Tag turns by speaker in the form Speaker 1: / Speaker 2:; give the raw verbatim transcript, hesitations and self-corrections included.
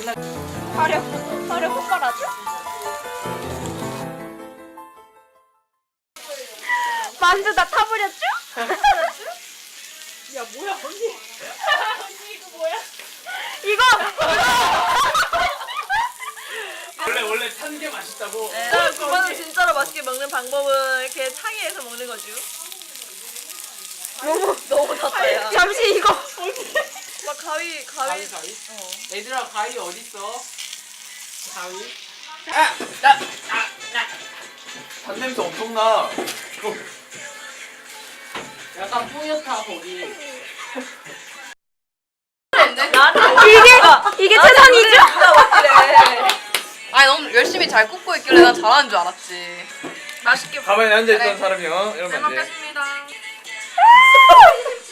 Speaker 1: 맨날
Speaker 2: 화력, 화력 폭발하죠? 만두 다 타버렸죠?
Speaker 1: 야 뭐야 언니. 언니 이거 뭐야?
Speaker 2: 이거!
Speaker 1: 원래 원래 탄 게 맛있다고.
Speaker 3: 네, 그거는 진짜로 맛있게 먹는 방법은 이렇게 창의해서 먹는 거죠. 너무 너무 닿다야.
Speaker 2: 잠시 이거.
Speaker 3: 막 가위 가위.
Speaker 1: 가위 가위?
Speaker 3: 어.
Speaker 1: 얘들아 가위 어디 있어? 가위? 아! 나! 아! 나! 단냄새 엄청 나. 약간 뿌옇다 거기.
Speaker 2: 이게, 이게 최선이죠?
Speaker 3: 아니 너무 열심히 잘 굽고 있길래 난 잘하는 줄 알았지. 맛있게
Speaker 1: 가만히 앉아있던
Speaker 3: 그래.
Speaker 1: 사람이요. 이러면
Speaker 3: 잘
Speaker 1: 안 돼.
Speaker 3: 먹겠습니다.